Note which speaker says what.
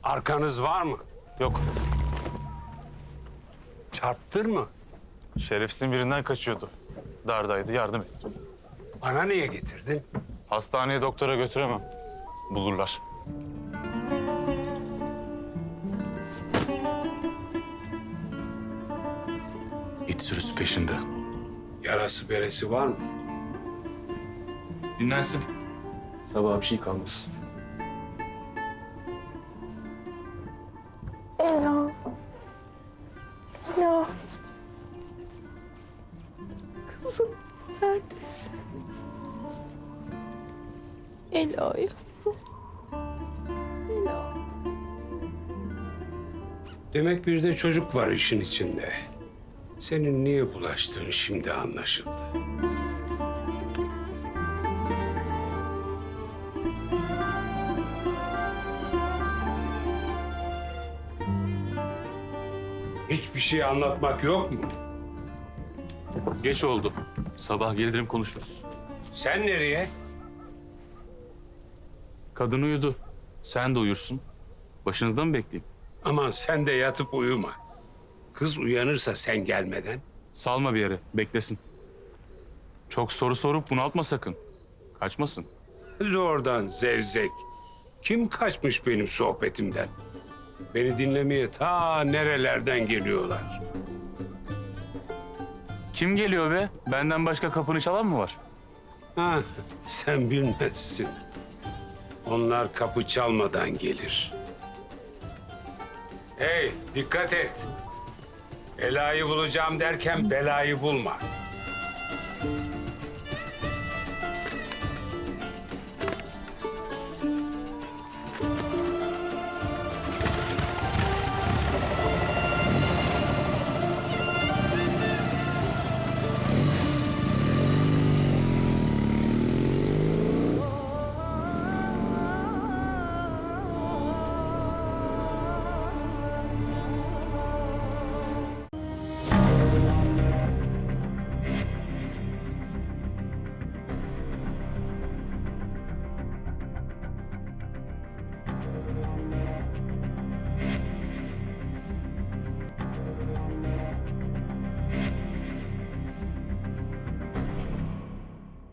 Speaker 1: Arkanız var mı?
Speaker 2: Yok.
Speaker 1: Çarptın mı?
Speaker 2: Şerefsizin birinden kaçıyordu. Dardaydı, yardım ettim.
Speaker 1: Bana niye getirdin?
Speaker 2: Hastaneye doktora götüremem. Bulurlar.
Speaker 3: İt sürüsü peşinde.
Speaker 1: Yarası beresi var mı?
Speaker 3: Dinlensin. Sabaha bir şey kalmaz.
Speaker 4: Ela. Ela. Kızım neredesin? Ela yavrum. Ela.
Speaker 1: Demek bir de çocuk var işin içinde. Senin niye bulaştığın şimdi anlaşıldı. Hiçbir şey anlatmak yok mu?
Speaker 3: Geç oldu. Sabah gelirim konuşuruz.
Speaker 1: Sen nereye?
Speaker 3: Kadın uyudu. Sen de uyursun. Başınızda mı bekleyeyim?
Speaker 1: Aman sen de yatıp uyuma. Kız uyanırsa sen gelmeden.
Speaker 3: Salma bir yere. Beklesin. Çok soru sorup bunaltma sakın. Kaçmasın.
Speaker 1: Hadi oradan zevzek. Kim kaçmış benim sohbetimden? Beni dinlemeye ta nerelerden geliyorlar.
Speaker 3: Kim geliyor be? Benden başka kapını çalan mı var?
Speaker 1: Ha, sen bilmezsin. Onlar kapı çalmadan gelir. Hey, dikkat et. Ela'yı bulacağım derken belayı bulma.